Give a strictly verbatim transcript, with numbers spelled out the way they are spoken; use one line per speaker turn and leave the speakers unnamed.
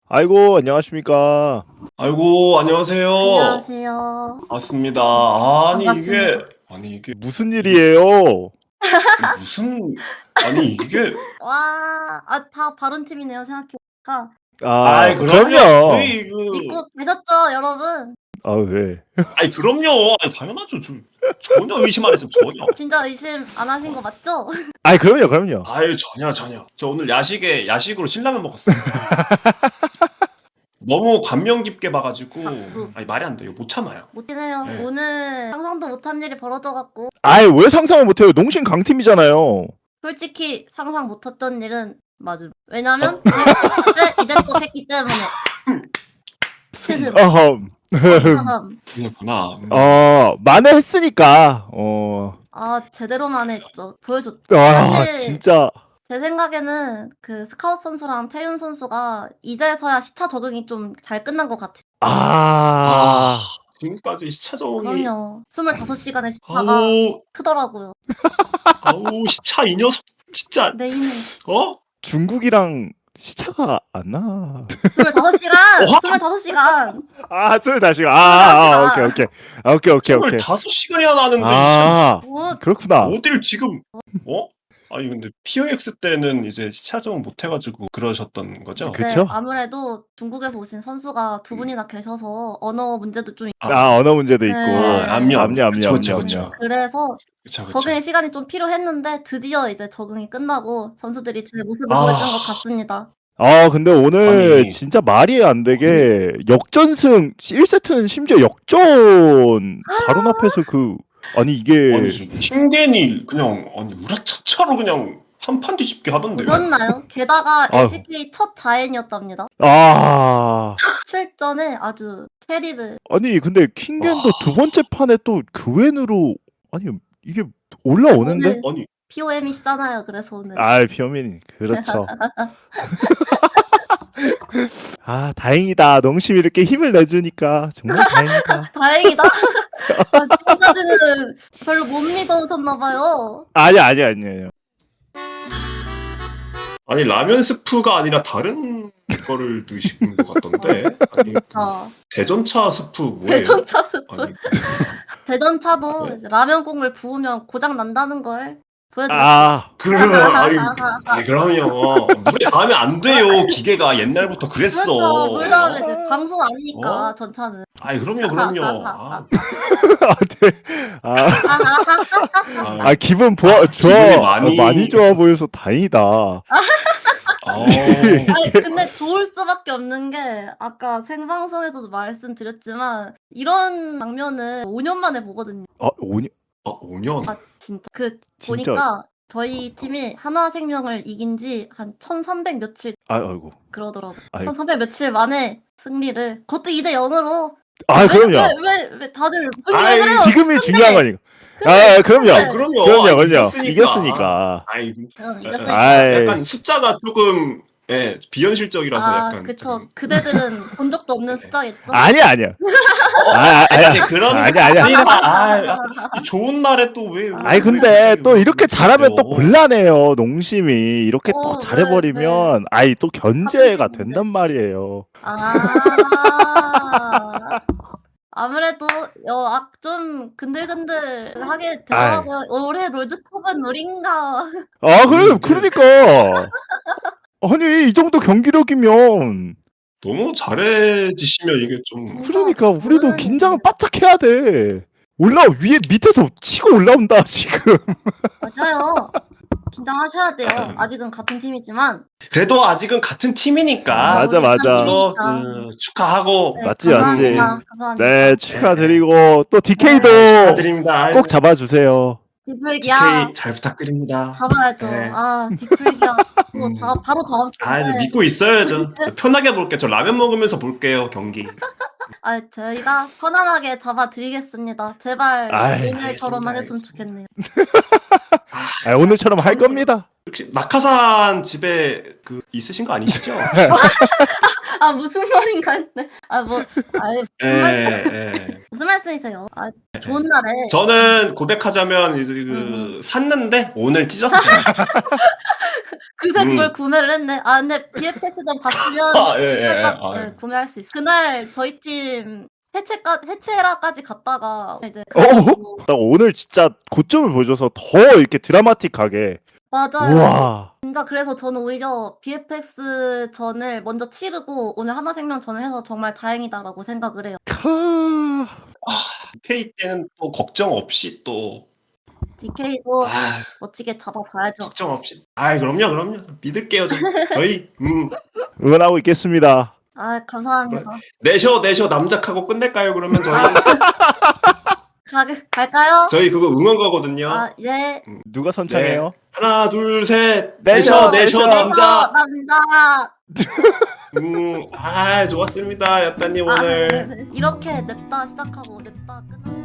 아이고, 안녕하십니까.
아이고, 안녕하세요.
안녕하세요.
맞습니다. 아니 이게
반갑습니다.
아니 이게
무슨
이게
일이에요?
무슨 아니 이게
와, 아, 다 다른 팀이네요, 생각해보니까.
아,
아이 그럼요.
그럼요.
저희 그
믿고 계셨죠, 여러분?
아, 네.
아이 그럼요. 아이 당연하죠. 저 전혀 의심 안 했어요. 전혀.
진짜 의심 안 하신 거 맞죠?
아이, 그럼요, 그럼요.
아유 전혀 전혀. 저 오늘 야식에 야식으로 신라면 먹었어요. 너무 감명 깊게 봐가지고
박수.
아니 말이 안 돼요. 못 참아요.
못긴 해요.
네.
오늘 상상도 못한 일이 벌어져갖고
아이, 왜 상상을 못해요? 농심 강팀이잖아요.
솔직히 상상 못했던 일은 맞음. 왜냐면 그때 이대로 했기 때문에. 스승,
어흠.
사삼.
그렇구나. 음.
어, 만회했으니까. 어.
아, 제대로만 했죠. 보여줬죠.
아,
사실
진짜.
제 생각에는 그 스카웃 선수랑 태윤 선수가 이제서야 시차 적응이 좀 잘 끝난 것 같아요.
아.
지금까지 시차 적응이
그럼요. 스물다섯 시간의 시차가
아우
크더라고요.
아우 시차 이 녀석 진짜
내 힘을.
어?
중국이랑 시차가 안 나.
스물다섯 시간!
어?
스물다섯 시간!
아, 스물다섯 시간. 아, 아, 아, 오케이, 오케이. 아, 오케이, 오케이, 오케이.
스물다섯 시간이나 나는데
아,
뭐,
그렇구나.
어딜 지금 어? 아니 근데 피오엑스 때는 이제 시차 적응 못 해가지고 그러셨던 거죠?
그-
네,
그쵸?
아무래도 중국에서 오신 선수가 두 분이나 계셔서 언어 문제도 좀 있고.
아, 언어 문제도 있고.
네.
아, 압류,
압류, 압류,
그쵸, 그쵸,
압류,
그쵸.
압류.
그래서
그쵸 그쵸.
적응의 시간이 좀 필요했는데 드디어 이제 적응이 끝나고 선수들이 제 모습을
아.
보여준 것 같습니다.
아, 근데 오늘
아니.
진짜 말이 안 되게 역전승 일 세트는 심지어 역전 바로 앞에서 그 아니 이게
아니 지금 킹겐이 그냥 아니 우라차차로 그냥 한 판 뒤집게 하던데.
보셨나요? 게다가
아유.
엘시케이 첫 자행이었답니다.
아
칠 전에 아주 캐리를.
아니 근데 킹겐도
와.
두 번째 판에 또 그웬으로 아니 이게 올라오는데
오늘
아니
피오엠이시잖아요. 그래서 오늘.
아 피어민 그렇죠. 아 다행이다 농심이 이렇게 힘을 내주니까 정말 다행이다.
다행이다. 아, 지금까지는 별로 못 믿어오셨나봐요.
아니 아니 아니에요.
아니 라면 스프가 아니라 다른 거를 드시는 것 같던데. 아니 그
자,
대전차 스프 뭐예요?
대전차 스프.
아니
대전차도
네.
이제 라면 국물 부으면 고장 난다는 걸 보여드렸죠.
아
그러면 아니 아니 그럼요 물에 닿으면 안 돼요. 기계가 옛날부터 그랬어.
그렇죠. 물 다음에 이제 방송 아니니까
어?
전차는.
아니 그럼요 그럼요. 아,
아, 네. 아,
아,
아 기분 좋아 좋아
기분이 많이-
아, 많이 좋아 보여서 다행이다.
아.
아니 근데 좋을 수밖에 없는 게 아까 생방송에서도 말씀드렸지만 이런 장면은 오 년 만에 보거든요.
아 오니
아, 오 년.
아 진짜 그
진짜.
보니까 저희 팀이 한화생명을 이긴 지 한 천삼백 며칠
아 아이고.
그러더라고.
아이고.
천삼백 며칠 만에 승리를 그것도 이 대 영으로.
아 그럼요.
왜왜 왜 다들 분위기 왜
아이,
그래요?
지금이 중요한 거니까. 아 그럼요.
아, 그럼요.
그럼요,
아,
그럼요.
이겼으니까.
이겼으니까.
아이,
그럼
아,
이겼으니까.
아이.
약간 숫자가 조금 예, 비현실적이라서
아
약간
그쵸.
좀-
그대들은 본 적도 없는 숫자겠죠.
아니야 아니야. 아, 아, 아니야.
아니 그런
아니야, 아니야.
아니라 아, 이 좋은 날에 또 왜?
아니 근데 또 이렇게 잘하면 또 곤란해요. 농심이 이렇게
어,
또 잘해버리면 아이 또 견제가
갑자기
된단 말이에요.
아 아무래도 어, 아, 좀 근들근들하게 되더라고요. 올해 롤드컵은 우린가.
아 그래
음,
그러니까 아니 이 정도 경기력이면
너무 잘해지시면 이게 좀
그러니까 우리도
저는-
긴장을 바짝 해야 돼. 올라 위에 밑에서 치고 올라온다 지금.
맞아요. 긴장하셔야 돼요. 아직은 같은 팀이지만.
그래도 아직은 같은 팀이니까
맞아,
우리
맞아.
한
이거
팀이니까.
그 축하하고
네,
맞지, 맞지.
감사합니다. 감사합니다.
네 축하드리고 또 디케이도
네, 축하드립니다.
꼭 잡아주세요.
디플기야
디케이 잘 부탁드립니다.
잡아야죠.
네.
아 디플기야. 또
음.
다, 바로 다음 주에.
아, 이제 믿고 있어요. 저, 저 편하게 볼게요. 저 라면 먹으면서 볼게요, 경기.
아 저희가 편안하게 잡아드리겠습니다. 제발
아이,
오늘처럼만
알겠습니다,
했으면
알겠습니다.
좋겠네요.
아, 오늘처럼 할 겁니다.
혹시 낙하산 집에 그 있으신 거 아니시죠?
아 무슨 말인가 했네. 아 뭐 아니
예,
무슨, 말씀,
예.
무슨 말씀이세요? 아 좋은 날에
저는 고백하자면 그
음.
샀는데 오늘 찢었어요.
그새
음.
그걸 구매를 했네. 아 근데 비에프엑스점 갔으면
아, 예, 예, 예.
살짝,
아,
네,
예.
구매할 수 있어. 그날 저희 팀 해체까 해체라까지 갔다가 이제
어?
그래가지고
딱 오늘 진짜 고점을 보여줘서 더 이렇게 드라마틱하게.
맞아요.
우와.
진짜 그래서 저는 오히려 비에프엑스 전을 먼저 치르고 오늘 하나생명전을 해서 정말 다행이다라고 생각을 해요.
카.
디케이 때는 또 걱정 없이 또
디케이도
아,
멋지게 잡아봐야죠.
걱정 없이. 아, 그럼요, 그럼요. 믿을게요, 저. 저희 음.
응원하고 있겠습니다.
아 감사합니다.
내셔 내셔 남작하고 끝낼까요? 그러면 저희
가, 갈까요?
저희 그거 응원 가거든요.
아 예.
누가 선창해요?
하나, 둘, 셋.
내셔,
내셔,
내셔.
내셔 남자.
남자.
음, 아, 좋았습니다, 야따님
아,
오늘.
네네. 이렇게 냅다 시작하고 냅다 끝나.